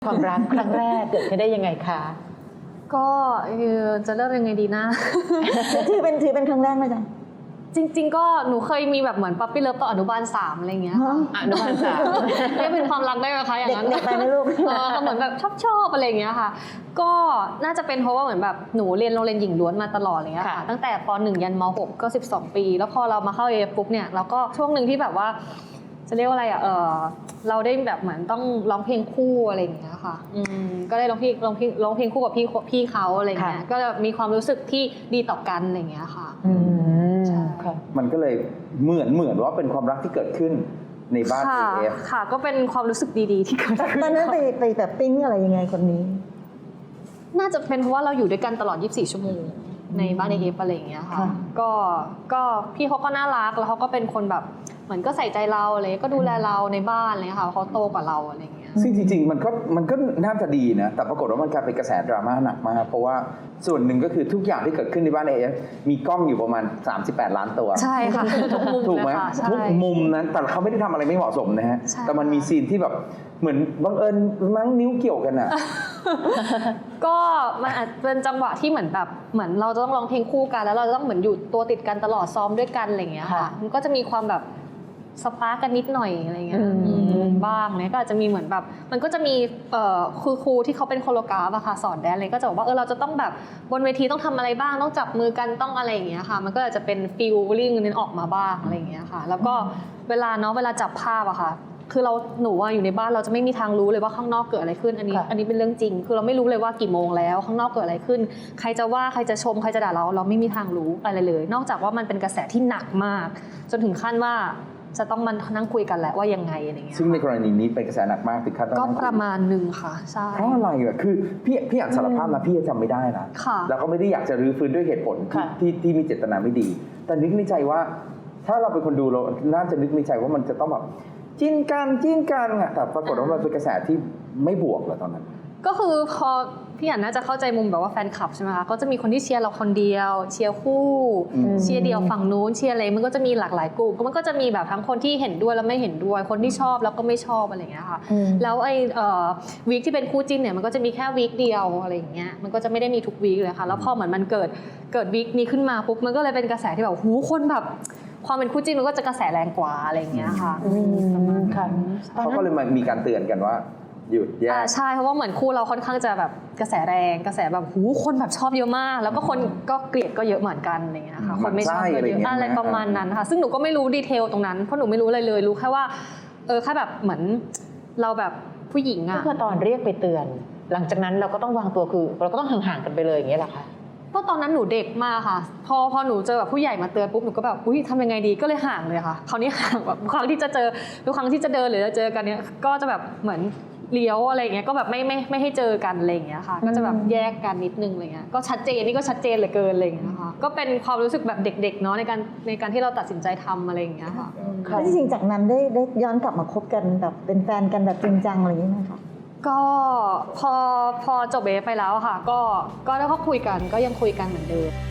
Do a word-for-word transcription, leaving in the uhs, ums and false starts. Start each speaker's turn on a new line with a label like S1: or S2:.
S1: ความรักครั้งแรกเกิดขึ้นได้ยังไงคะ
S2: ก็คือจะเริ่มยังไงดีนะ
S3: ถือเป็นถือเป็นครั้งแรกไหมจ๊ะ
S2: จริงๆก็หนูเคยมีแบบเหมือนปั๊ปปี้เลิฟตอนอนุบาลสามอะไรเงี้ย
S1: อนุบาลสาม
S2: เรียกเป็นความรักได้ไหมคะอย่างนั้น
S3: เด็กไปไหมลูก
S2: เออเหมือนแบบชอบชอบอะไรเงี้ยค่ะก็น่าจะเป็นเพราะว่าเหมือนแบบหนูเรียนโรงเรียนหญิงล้วนมาตลอดอะไรเงี้ยค่ะตั้งแต่ป หนึ่ง ยันม หกก็สิบสองปีแล้วพอเรามาเข้า เอ เอฟ ปุ๊บเนี่ยเราก็ช่วงหนึ่งที่แบบว่าจะเรียกว่าอะไรอ่ะเออเราได้แบบเหมือนต้องร้องเพลงคู่อะไรอย่างเงี้ยค่ะอืมก็ได้ร้องเพลงร้องเพลงร้องเพลงคู่กับพี่พี่เขาอะไรเงี้ยก็มีความรู้สึกที่ดีต่อกันอะไรเงี้ยค่ะ
S1: อืม
S4: ค่ะมันก็เลยเหมือนเหมือนว่าเป็นความรักที่เกิดขึ้นในบ้าน เอ เอฟ
S2: ค่ะก็เป็นความรู้สึกดีๆที่เกิดขึ้น
S3: ตอนนั้นไปไปแบบปิ๊งอะไรยังไงคนนี้
S2: น่าจะเป็นเพราะว่าเราอยู่ด้วยกันตลอดยี่สิบสี่ชั่วโมงในบ้าน เอ เอฟ อะไรอย่างเงี้ยค่ะก็ก็พี่เขาก็น่ารักแล้วเขาก็เป็นคนแบบเหมือนก็ใส่ใจเราอะไรก็ดูแลเราในบ้านอะไรค่ะเขาโตกว่าเราอะไรอย่างเงี้ย
S4: ซึ่งจริงๆมันก็มันก็น่าจะดีนะแต่ปรากฏว่ามันกลายเป็นกระแสดราม่าหนักมากเพราะว่าส่วนหนึ่งก็คือทุกอย่างที่เกิดขึ้นในบ้าน เอ เอฟ มีกล้องอยู่ประมาณสามสิบแปดล้านตัว
S2: ใช่ค่ะทุกมุม
S4: ถูกไหม
S2: นะคะ
S4: ทุกมุมนั้นแต่เขาไม่ได้ทำอะไรไม่เหมาะสมนะฮะแต่มันมีซีนที่แบบเหมือนบังเอิญมั้งนิ้วเกี่ยวกันอ่ะ
S2: ก็มันอาจเป็นจังหวะที่เหมือนแบบเหมือนเราจะต้องร้องเพลงคู่กันแล้วเราจะต้องเหมือนอยู่ตัวติดกันตลอดซ้อมด้วยกันอะไรอย่างเงี้ยค่ะมันก็จะมีความแบบสปาร์กกันนิดหน่อยอะไรเงี้ยบ้างเนี่ยก็อาจจะมีเหมือนแบบมันก็จะมีเอ่อคือครูที่เขาเป็นโคโรกราฟอะค่ะสอนแดนเลยก็จะบอกว่าเออเราจะต้องแบบบนเวทีต้องทำอะไรบ้างต้องจับมือกันต้องอะไรอย่างเงี้ยค่ะมันก็อาจจะเป็นฟีลลิ่งนั้นออกมาบ้างอะไรอย่างเงี้ยค่ะแล้วก็เวลาเนาะเวลาจับภาพอะค่ะคือเราหนูว่าอยู่ในบ้านเราจะไม่มีทางรู้เลยว่าข้างนอกเกิดอะไรขึ้นอันนี้อันนี้เป็นเรื่องจริงคือเราไม่รู้เลยว่ากี่โมงแล้วข้างนอกเกิดอะไรขึ้นใครจะว่าใครจะชมใครจะด่าเราเราไม่มีทางรู้อะไรเลยนอกจากว่ามันเป็นกระแสที่หนักมากจนถึงขั้นว่าจะต้องมานั่งคุยกันแหละว่ายังไงอะไรเงี้ย
S4: ซึ่งในกรณีนี้เป็นกระแสหนักมากถึงขั้นต้อง
S2: ก็ประมาณหนึ่งค่ะใช่
S4: เพราะอะไรอ่ะคือพี่พี่อ่านสารภาพนะพี่จำไม่ได้นะแล้วก็ไม่ได้อยากจะรื้อฟื้นด้วยเหตุผลที่ที่มีเจตนาไม่ดีแต่นึกในใจว่าถ้าเราเป็นคนดูเราน่าจะนึกในใจว่ามันจะต้องแบบจิ้นกันจิ้นกันอ่ะแต่ปรากฏว่ามันเป็นกระแสที่ไม่บวกเลยตอนนั้น
S2: ก็คือพอพี่อ่านน่าจะเข้าใจมุมแบบว่าแฟนคลับใช่ไหมคะก็จะมีคนที่เชียร์เราคนเดียวเชียร์คู่เชียร์เดียวฝั่งนู้นเชียร์อะไรมันก็จะมีหลากหลายกลุ่มมันก็จะมีแบบทั้งคนที่เห็นด้วยแล้วไม่เห็นด้วยคนที่ชอบแล้วก็ไม่ชอบอะไรอย่างเงี้ยค่ะแล้วไอ้วีคที่เป็นคู่จิ้นเนี่ยมันก็จะมีแค่วีคเดียวอะไรอย่างเงี้ยมันก็จะไม่ได้มีทุกวีคเลยค่ะแล้วพอเหมือนมันเกิดเกิดวีคนี้ขึ้นมาปุ๊บมันก็เลยเป็นกระแสที่แบบหูคนแบบความเป็นคู่จิ้นมันก็จะกระแสแรงกว่าอะไรอย่างเงี้ยค่ะ
S4: เขาก็เลยมีการเตือนกันว่าหยุดแยก
S2: ใช่เพราะว่าเหมือนคู่เราค่อนข้างจะแบบกระแสแรงกระแสแบบหูคนแบบชอบเยอะมากแล้วก็คนก็เกลียดก็เยอะเหมือนกันอะไรเงี้ยค่ะคนไม่ชอบก็เยอะอะไรประมาณนั้นค่ะซึ่งหนูก็ไม่รู้ดีเทลตรงนั้นเพราะหนูไม่รู้อะไรเลยรู้แค่ว่าเออแค่แบบเหมือนเราแบบผู้หญิงอะ
S1: ก็ตอนเรียกไปเตือนหลังจากนั้นเราก็ต้องวางตัวคือเราก็ต้องห่างๆกันไปเลยอย่างเงี้ยแหละค่ะ
S2: เพราะตอนนั้นหนูเด็กมากค่ะพอพอหนูเจอแบบผู้ใหญ่มาเตือนปุ๊บหนูก็แบบอุ้ยทำยังไงดีก็เลยห่างเลยค่ะคราวนี้ห่างแบบครั้งที่จะเจอทุกครั้งที่จะเดินหรือจะเจอกันเนี้ยก็จะแบบเหมือนเลี้ยวอะไรอย่างเงี้ยก็แบบไม่ไม่ไม่ให้เจอกันอะไรอย่างเงี้ยค่ะก็จะแบบแยกกันนิดนึงอะไรเงี้ยก็ชัดเจนนี่ก็ชัดเจนเหลือเกินอะไรอย่างเงี้ยค่ะก็เป็นความรู้สึกแบบเด็กๆเนาะในการในการที่เราตัดสินใจทำอะไรอย่างเงี้ยค่ะ
S3: แล้วจริงๆจากนั้นได้ได้ย้อนกลับมาคบกันแบบเป็นแฟนกันแบบจริงจังอะไรอย่างเงี้ยไหมคะ
S2: ก็พอพอจบเอฟไปแล้วค่ะก็ก็แล้วก็คุยกันก็ยังคุยกันเหมือนเดิม